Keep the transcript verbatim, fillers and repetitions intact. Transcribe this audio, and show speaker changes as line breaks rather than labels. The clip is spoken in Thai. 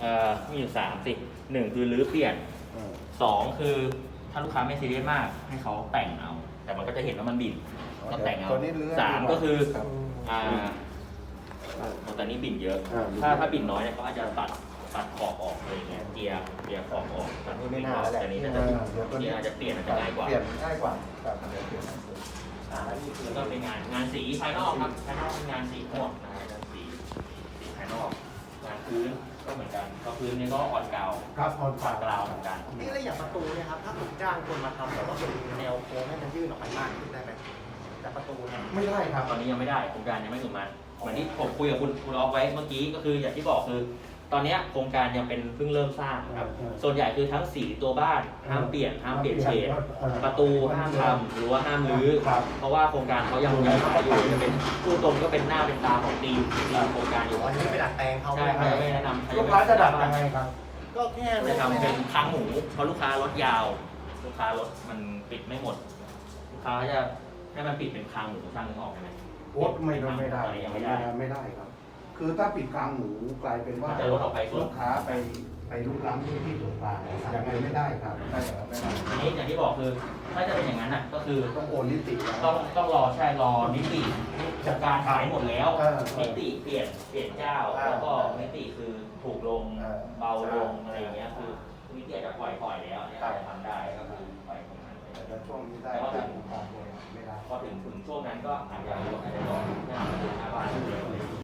เอ่อมีอยู่สามสิหนึ่งคือรื้อเปลี่ยนสองคือถ้าลูกค้าไม่ซีเรียสมากให้เขาแต่งเอา แต่มันก็จะเห็นว่ามันบิ่นก็แต่งเอาสามก็คืออ่าตอนนี้บิ่นเยอะ ถ้าถ้าบิ่นน้อยเนี่ยเขาอาจจะตัดตัดขอบออกอะไรเงี้ยเกียร์เกียร์ขอบออกตัด
นี่ไม่น่าแล้วแหละ
แต่นี้น่าจะนี่อาจจะเปลี่ยนอาจจะง่ายกว่า
เปลี่ยนง่ายกว่าแบบเดี๋ยวเปลี่ยนอ่าแล้วนี่คือ
แล้วก็เป็นงานงานสีภายนอกครับภายนอกเป็นงานสีทั้งหมดนะครับงานสีสีภายนอกงานพื้นก็เหมือนกันก็พื้นนี่ก็อ่อนกาว
ครับออน
อ่อนกราวเหมือนกัน
นี่อะไรอย่างประตูเนี่ยครับถ้าผมจ้างคนมาทำแต่ว่าเป็นแนวโค้งให้มันยื่นออกไปมากขึ้นได้ไหมแต่ประตูเนี่ย
ไม่ได้ครับ
ตอนนี้ยังไม่ได้โครงการยังไม่ถึงมาเหมือนที่ผมคุยกับคุณคุณออฟไว้เมื่อกี้ก็คืออย่างที่บอกคือ ตอนนี้โครงการยังเป็นเพิ่งเริ่มสร้างครับส่วนใหญ่คือทั้งสีตัวบ้านห้ามเปลี่ยนห้ามเปลี่ยนเฉดประตูห้ามทำหรือว่าห้ามรื้อเพราะว่าโครงการเขายังยังขายอยู่จะเป็นผู้ตรงก็เป็นหน้าเป็นตาของทีมทีมโครงการอยู่
อ๋อยังไม่ไปดัดแปลงเขา
ใช่เขายังไม่แนะนำ
ลูกค้าจะดัดยังไงครับ
ก็แค่
จะทำเป็นค้างหมูเพราะลูกค้ารถยาว ลูกค้ารถมันปิดไม่หมด ลูกค้าจะให้มันปิดเป็นค้างหมูสร้างนึกออกไหม
โอ๊ตไม่ได้ไม่ได้
ยัง
ไม่
ไม่
ได้
ได้
ไม่ได้ครับ คือถ้าปิดกลางหมูกลายเป็นว่า
จะลดออกไปส่วน
ลูกค้าไปไปลุกล้ำที่ที่ส่วนกลางยังไงไม่ได้ครับได้ครับไม่ได้
อันนี้อย่างที่บอกคือถ้าจะเป็นอย่างนั้นน่ะก็คือ
ต้องโอนนิติแล้ว
ต้องต้องรอใช่รอนิติจากการขายหมดแล้ว
เออ
นิติเปลี่ยนเปลี่ยนเจ้า
เออ
แล้วก็นิติคือถูกลง
เออ
เบาลงอะไรอย่างเงี้ยคือนิติอาจจะปล่อยปล่อยแล้วเนี่ยอาจจะทำได้ก็คือปล่อยตรงนั้นไป
แต่ช่วงนี้ได้แต่การโอนไม่ได้
พอถึงถึงช่วงนั้นก็อาจจะอาจจะรอให้ทำเป็นหน้าบ้านเร็ว